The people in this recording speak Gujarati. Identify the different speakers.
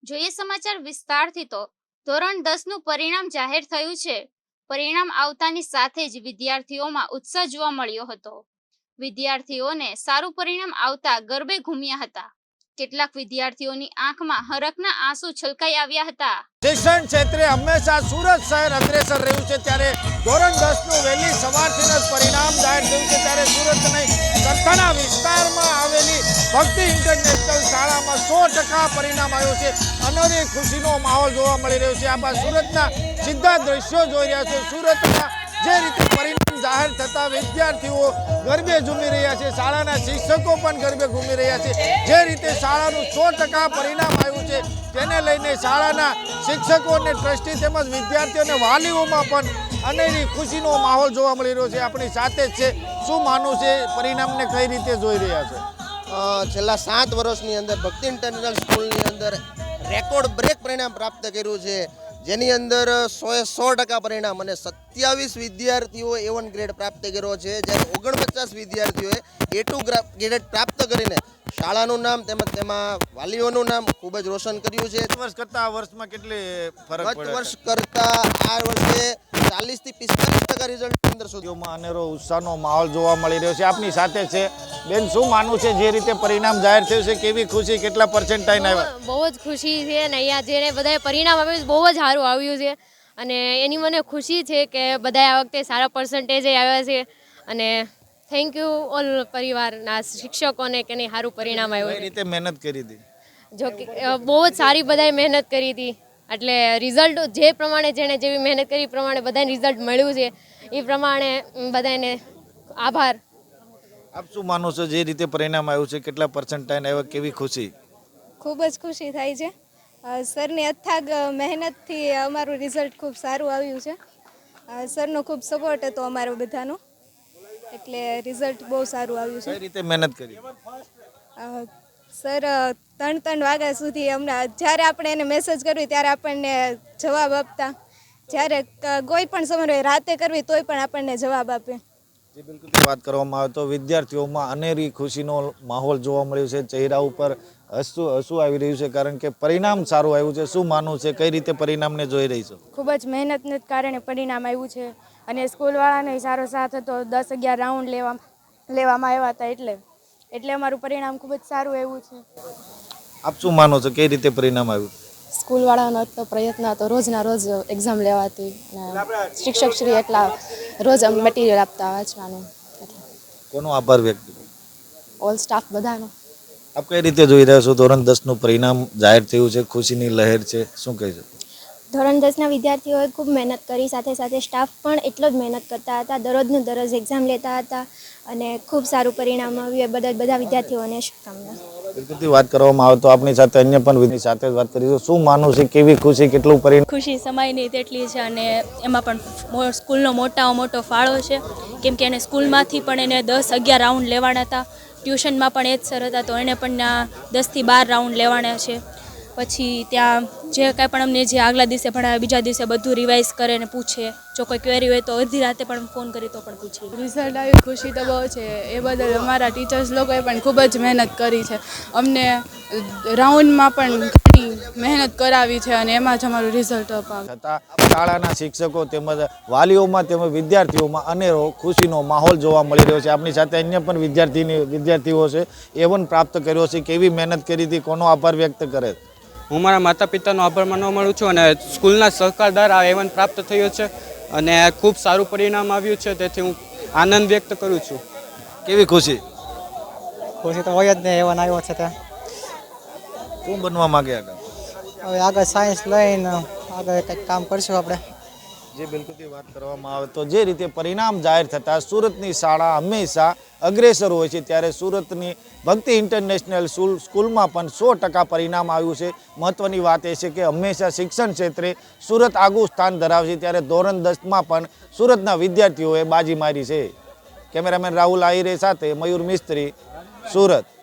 Speaker 1: જોઈએ સમાચાર વિસ્તારથી તો ધોરણ 10 નું પરિણામ જાહેર થયું છે। પરિણામ આવતાની સાથે જ વિદ્યાર્થીઓમાં ઉત્સાહ જોવા મળ્યો હતો। વિદ્યાર્થીઓને સારું પરિણામ આવતા ગરબે ઘૂમ્યા હતા। કેટલાક વિદ્યાર્થીઓની આંખમાં હરખના આંસુ છલકાઈ આવ્યા હતા।
Speaker 2: શિક્ષણ ક્ષેત્રે હંમેશા સુરત શહેર અગ્રેસર રહ્યું છે, ત્યારે ધોરણ 10 નું વહેલી સવારથી જ પરિણામ જાહેર થયું છે। ત્યારે સુરત નહીં કરથાના વિસ્તારમાં આવેલી ભક્તિ ઇન્ટરનેશનલ શાળામાં 100% પરિણામ આવ્યું છે। અનોરી ખુશીનો માહોલ જોવા મળી રહ્યો છે। આપ સુરતના સીધા દ્રશ્યો જોઈ રહ્યા છો। સુરતમાં જે રીતે પરિણામ જાહેર થતા વિદ્યાર્થીઓ ગરબે ઝૂમી રહ્યા છે, શાળાના શિક્ષકો પણ ગરબે ઘૂમી રહ્યા છે। જે રીતે શાળાનું 100% પરિણામ આવ્યું છે તેને લઈને શાળાના શિક્ષકો અને ટ્રસ્ટી તેમજ વિદ્યાર્થીઓ અને વાલીઓમાં પણ અનેરી ખુશીનો માહોલ જોવા મળી રહ્યો છે। આપણી સાથે જ છે, શું માનવું છે, પરિણામને કઈ રીતે જોઈ રહ્યા છે?
Speaker 3: છેલ્લા 7 વર્ષની અંદર ભક્તિ ઇન્ટરનેશનલ સ્કૂલની અંદર રેકોર્ડ બ્રેક પરિણામ પ્રાપ્ત કર્યું છે, જેની અંદર 100% પરિણામ અને 27 વિદ્યાર્થીઓ A1 ગ્રેડ પ્રાપ્ત કર્યો છે, જ્યારે 49 વિદ્યાર્થીઓએ A2 ગ્રેડ પ્રાપ્ત કરીને શાળાનું નામ તેમજ તેમાં વાલીઓનું નામ ખૂબ જ રોશન કર્યું છે।
Speaker 2: વર્ષ કરતા આ વર્ષમાં કેટલી ફરક
Speaker 3: ગત
Speaker 2: પડે
Speaker 3: વર્ષ કરતા આ વર્ષે 40 થી 45% રિઝલ્ટ અંદર
Speaker 2: સુધીમાં અનેરો ઉત્સાહનો માહોલ જોવા મળી રહ્યો છે। આપની સાથે છે બેન, શું માનવું છે, જે રીતે પરિણામ જાહેર થયું છે કેવી ખુશી, કેટલા પર્સન્ટાઇજ આવ્યા?
Speaker 4: બહુ જ ખુશી છે ને અહીંયા જેને બધાએ પરિણામ આપ્યું બહુ જ સારું આવ્યું છે અને એની મને ખુશી છે કે બધાએ આ વખતે સારા પર્સન્ટેજ આવ્યા છે અને થેન્ક યુ ઓલ પરિવારના શિક્ષકોને કે નહીં સારું પરિણામ
Speaker 2: કઈ
Speaker 4: આવ્યું છે।
Speaker 2: રીતે મહેનત કરી હતી?
Speaker 4: જો કે બહુ જ સારી બધાએ મહેનત કરી હતી, એટલે રિઝલ્ટ જે પ્રમાણે જેણે જેવી મહેનત કરી એ પ્રમાણે બધાને રિઝલ્ટ મળ્યું છે, એ પ્રમાણે બધાને આભાર।
Speaker 2: આપ શું માનો છો, જે રીતે પરિણામ આવ્યું છે કેટલા પર્સન્ટાઇજ આવ્યા, કેવી ખુશી?
Speaker 5: ખૂબ જ ખુશી થાય છે। સરની અથાગ મહેનતથી અમારું રિઝલ્ટ ખૂબ સારું આવ્યું છે। સરનો ખૂબ સપોર્ટ હતો અમારો બધાનો, એટલે રિઝલ્ટ બહુ સારું આવ્યું છે।
Speaker 2: કઈ રીતે મહેનત કરી?
Speaker 5: સર 3 વાગ્યા સુધી હમણાં જ્યારે આપણે એને મેસેજ કરવી ત્યારે આપણને જવાબ આપતા, જ્યારે કોઈ પણ સમય રાતે કરવી તોય પણ આપણને જવાબ આપે।
Speaker 2: જે બિલકુલ વાત કરવામાં આવે તો વિદ્યાર્થીઓમાં અનેરી ખુશીનો માહોલ જોવા મળ્યો છે। ચહેરા ઉપર હસવું આવી રહ્યું છે, કારણ કે પરિણામ સારું આવ્યું છે। શું માનવું છે, કઈ રીતે પરિણામને જોઈ રહી છો?
Speaker 6: ખૂબ જ મહેનતને કારણે પરિણામ આવ્યું છે અને સ્કૂલવાળાને સારો સાથ હતો। 10-11 રાઉન્ડ લેવામાં આવ્યા હતા, એટલે અમારું પરિણામ ખૂબ જ સારું આવ્યું છે।
Speaker 2: આપ શું માનો છો, કઈ રીતે પરિણામ આવ્યું?
Speaker 6: સ્કૂલવાળાનો તો પ્રયત્ન હતો રોજના રોજ એક્ઝામ લેવાતી અને શિક્ષકશ્રી એટલા રોજ મટીરિયલ આપતા વાંચવાનું,
Speaker 2: કોનો આભાર વ્યક્ત કરો?
Speaker 6: ઓલ સ્ટાફ બધાનો।
Speaker 2: આપ કઈ રીતે જોઈ રહ્યા છો, ધોરણ 10 નું પરિણામ જાહેર થયું છે, ખુશીની લહેર છે, શું કહી શકો?
Speaker 7: ધોરણ 10ના વિદ્યાર્થીઓએ ખૂબ મહેનત કરી, સાથે સાથે સ્ટાફ પણ એટલો જ મહેનત કરતા હતા, દરરોજનું દરરોજ એક્ઝામ લેતા હતા અને ખૂબ સારું પરિણામ આવ્યું, એ બદલ બધા વિદ્યાર્થીઓને શુભકામના।
Speaker 2: બિલકુલ વાત કરવામાં આવે તો આપણી સાથે અન્ય પણ વિદ્યાર્થી સાથે વાત કરીશું। શું માનવું છે, કેવી ખુશી, કેટલું પરિણામ?
Speaker 8: ખુશી સમાય નહીં તેટલી છે અને એમાં પણ સ્કૂલનો મોટો ફાળો છે, કેમ કે એને સ્કૂલમાંથી પણ એને 10-11 રાઉન્ડ લેવાના હતા, ટ્યુશનમાં પણ એ જ સર હતા તો એને પણ 10 થી 12 રાઉન્ડ લેવાના છે। પછી ત્યાં જે કાંઈ પણ અમને જે આગલા દિવસે ભણાવે બીજા દિવસે બધું રિવાઇઝ કરે ને પૂછે, જો કોઈ ક્વેરી હોય તો અડધી રાતે પણ ફોન કરી તો પણ પૂછે।
Speaker 9: રિઝલ્ટ આવી ખુશી તો બહુ છે, એ બદલ અમારા ટીચર્સ લોકોએ પણ ખૂબ જ મહેનત કરી છે। અમને રાઉન્ડમાં પણ ઘણી મહેનત કરાવી છે અને એમાં જ અમારું રિઝલ્ટ અપાવ્યું।
Speaker 2: છતાં શાળાના શિક્ષકો તેમજ વાલીઓમાં તેમજ વિદ્યાર્થીઓમાં અનેરો ખુશીનો માહોલ જોવા મળી રહ્યો છે। આપણી સાથે અન્ય પણ વિદ્યાર્થીઓ છે, A1 પ્રાપ્ત કર્યો છે, કેવી મહેનત કરી હતી, કોનો આભાર વ્યક્ત કરે?
Speaker 10: હું મારા માતા પિતાનો આભાર માનવા માંગુ છું અને સ્કૂલના સહકાર દ્વારા A1 પ્રાપ્ત થયો છે અને ખૂબ સારું પરિણામ આવ્યું છે, તેથી હું આનંદ વ્યક્ત કરું છું।
Speaker 2: કેવી ખુશી?
Speaker 11: ખુશી તો હોય જ ને, A1 આવ્યો છે તે
Speaker 2: શું બનવા માંગે આગળ?
Speaker 11: હવે આગળ સાયન્સ લઈને આગળ કંઈક કામ કરશું આપણે।
Speaker 2: જે બિલકુલ વાત કરવામાં આવે તો જે રીતે પરિણામ જાહેર થતાં સુરતની શાળા હંમેશા અગ્રેસર હોય છે, ત્યારે સુરતની ભક્તિ ઇન્ટરનેશનલ સ્કૂલમાં પણ 100% પરિણામ આવ્યું છે। મહત્વની વાત એ છે કે હંમેશા શિક્ષણ ક્ષેત્રે સુરત આગવું સ્થાન ધરાવે છે, ત્યારે ધોરણ 10માં પણ સુરતના વિદ્યાર્થીઓએ બાજી મારી છે। કેમેરામેન રાહુલ આહિરે સાથે મયુર મિસ્ત્રી, સુરત।